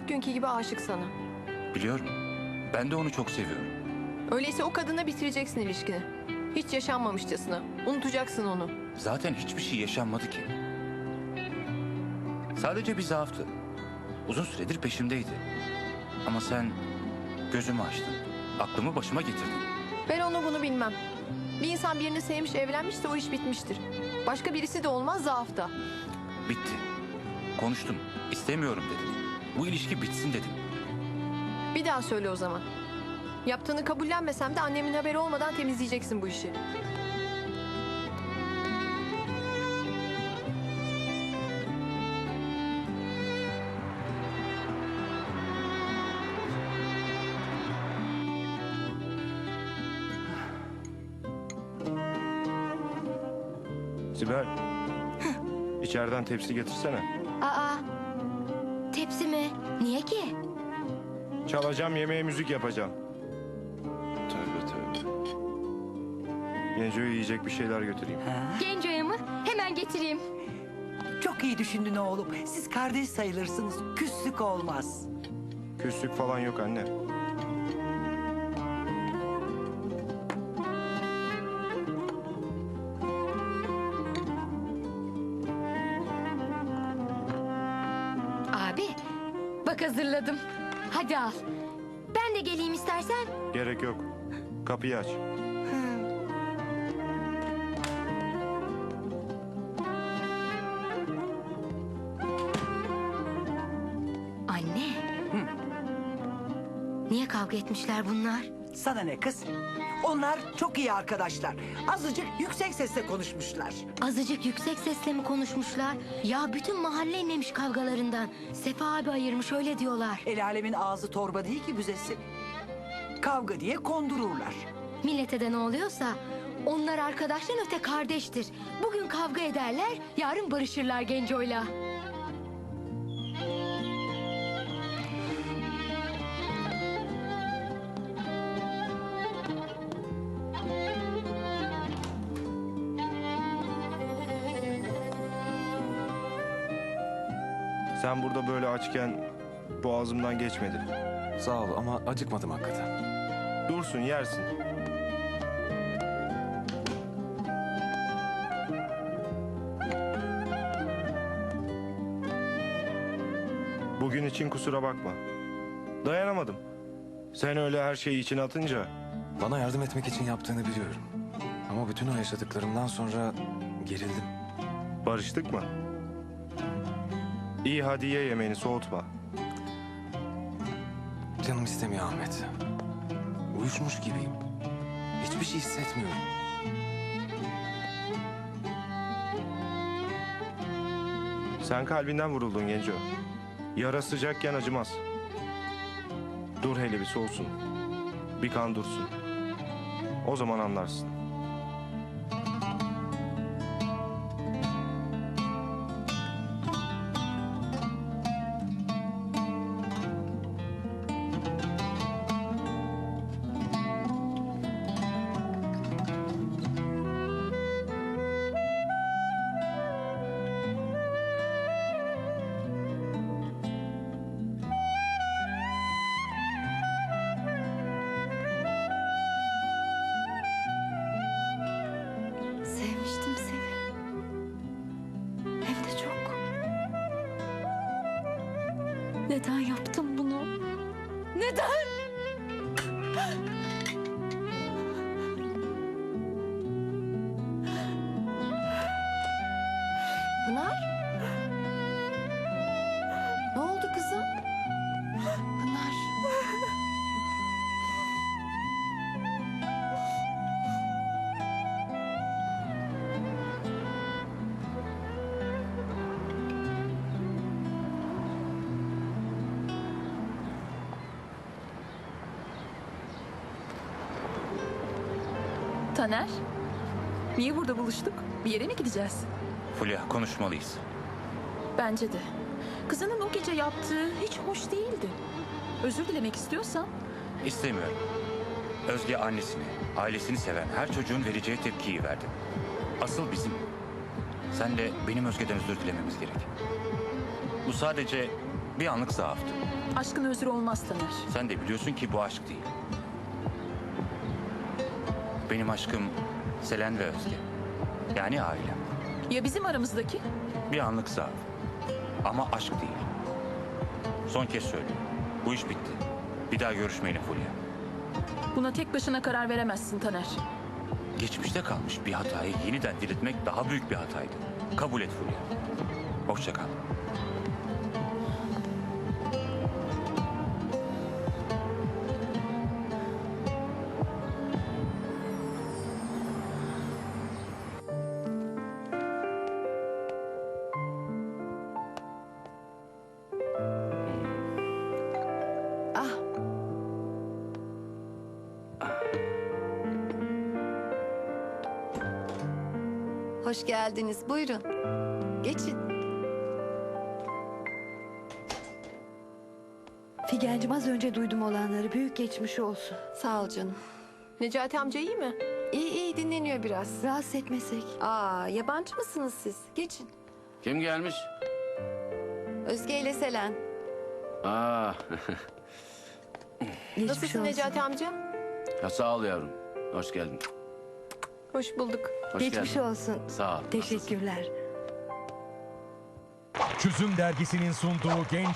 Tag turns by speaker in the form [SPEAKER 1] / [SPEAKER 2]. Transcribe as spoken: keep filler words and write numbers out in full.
[SPEAKER 1] günkü gibi aşık sana.
[SPEAKER 2] Biliyorum. Ben de onu çok seviyorum.
[SPEAKER 1] Öyleyse o kadınla bitireceksin ilişkini. Hiç yaşanmamışçasına. Unutacaksın onu.
[SPEAKER 2] Zaten hiçbir şey yaşanmadı ki. Sadece bir zaaftı. Uzun süredir peşimdeydi. Ama sen gözümü açtın. Aklımı başıma getirdin.
[SPEAKER 1] Ben onu bunu bilmem. Bir insan birini sevmiş, evlenmişse o iş bitmiştir. Başka birisi de olmaz, zaafta.
[SPEAKER 2] Bitti. Konuştum. İstemiyorum dedim. Bu ilişki bitsin dedim.
[SPEAKER 1] Bir daha söyle o zaman. Yaptığını kabullenmesem de annemin haberi olmadan temizleyeceksin bu işi.
[SPEAKER 3] Sibel, içeriden tepsi getirsene.
[SPEAKER 4] Aa, tepsi mi? Niye ki?
[SPEAKER 3] Çalacağım, yemeğe müzik yapacağım.
[SPEAKER 2] Tövbe tövbe.
[SPEAKER 3] Genco'ya yiyecek bir şeyler götüreyim.
[SPEAKER 4] Genco'ya mı? Hemen getireyim.
[SPEAKER 5] Çok iyi düşündün oğlum. Siz kardeş sayılırsınız. Küslük olmaz.
[SPEAKER 3] Küslük falan yok anne.
[SPEAKER 4] Abi, bak hazırladım. Hadi al. Ben de geleyim istersen.
[SPEAKER 3] Gerek yok. Kapıyı aç.
[SPEAKER 4] Anne. Niye kavga etmişler bunlar?
[SPEAKER 5] Sana ne kız? Onlar çok iyi arkadaşlar. Azıcık yüksek sesle konuşmuşlar.
[SPEAKER 4] Azıcık yüksek sesle mi konuşmuşlar? Ya bütün mahalle inlemiş kavgalarından. Sefa abi ayırmış öyle diyorlar.
[SPEAKER 5] El alemin ağzı torba değil ki büzesi. Kavga diye kondururlar.
[SPEAKER 4] Millete de ne oluyorsa onlar arkadaştan öte kardeştir. Bugün kavga ederler, yarın barışırlar Genco'yla.
[SPEAKER 3] Sen burada böyle açken boğazımdan geçmedi.
[SPEAKER 6] Sağ ol ama acıkmadım hakikaten.
[SPEAKER 3] Dursun, yersin. Bugün için kusura bakma. Dayanamadım. Sen öyle her şeyi içine atınca
[SPEAKER 6] Bana yardım etmek için yaptığını biliyorum. Ama bütün o yaşadıklarımdan sonra gerildim.
[SPEAKER 3] barıştık mı? İyi, hadi ye yemeğini, soğutma.
[SPEAKER 6] Canım istemiyor Ahmet. Uyuşmuş gibiyim. Hiçbir şey hissetmiyorum.
[SPEAKER 3] Sen kalbinden vuruldun Genco. Yara sıcakken acımaz. Dur hele bir soğusun. Bir kan dursun. O zaman anlarsın.
[SPEAKER 4] Sevmiştim seni. Hem de çok. Neden yaptım bunu? Neden?
[SPEAKER 1] Pınar? Ne oldu kızım? Pınar.
[SPEAKER 7] Taner, niye burada buluştuk? Bir yere mi gideceğiz?
[SPEAKER 2] Fulya, konuşmalıyız.
[SPEAKER 7] Bence de. Kızının o gece yaptığı hiç hoş değildi. Özür dilemek istiyorsan
[SPEAKER 2] İstemiyorum. Özge annesini, ailesini seven her çocuğun vereceği tepkiyi verdi. Asıl bizim. Sen de benim Özge'den özür dilememiz gerek. Bu sadece Bir anlık zaaftı.
[SPEAKER 7] Aşkın özrü olmaz Taner.
[SPEAKER 2] Sen de biliyorsun ki bu aşk değil. Benim aşkım Selen ve Özge. Yani ailem.
[SPEAKER 7] Ya bizim aramızdaki?
[SPEAKER 2] Bir anlık zaaf. Ama aşk değil. Son kez söylüyorum. Bu iş bitti. Bir daha görüşmeyelim Fulya.
[SPEAKER 7] Buna tek başına karar veremezsin Taner.
[SPEAKER 2] Geçmişte kalmış bir hatayı yeniden diriltmek daha büyük bir hataydı. Kabul et Fulya. Hoşça kal.
[SPEAKER 1] Hoş geldiniz. Buyurun. Geçin.
[SPEAKER 8] Figencim az önce duydum olanları. Büyük geçmiş olsun.
[SPEAKER 1] Sağ ol canım. Necati amca iyi mi? İyi iyi dinleniyor biraz.
[SPEAKER 8] Rahatsız etmesek.
[SPEAKER 1] Aa, yabancı mısınız siz? Geçin.
[SPEAKER 9] Kim gelmiş?
[SPEAKER 1] Özge ile Selen.
[SPEAKER 9] Aa,
[SPEAKER 8] Geçmiş
[SPEAKER 1] Nasılsın
[SPEAKER 8] olsun.
[SPEAKER 1] Necati amca?
[SPEAKER 9] ya sağ ol yavrum. Hoş geldin.
[SPEAKER 1] Hoş bulduk.
[SPEAKER 9] Hoş
[SPEAKER 8] Geçmiş
[SPEAKER 9] geldin.
[SPEAKER 8] olsun.
[SPEAKER 9] Sağ ol.
[SPEAKER 8] Teşekkürler.
[SPEAKER 10] Çözüm Dergisi'nin sunduğu Genç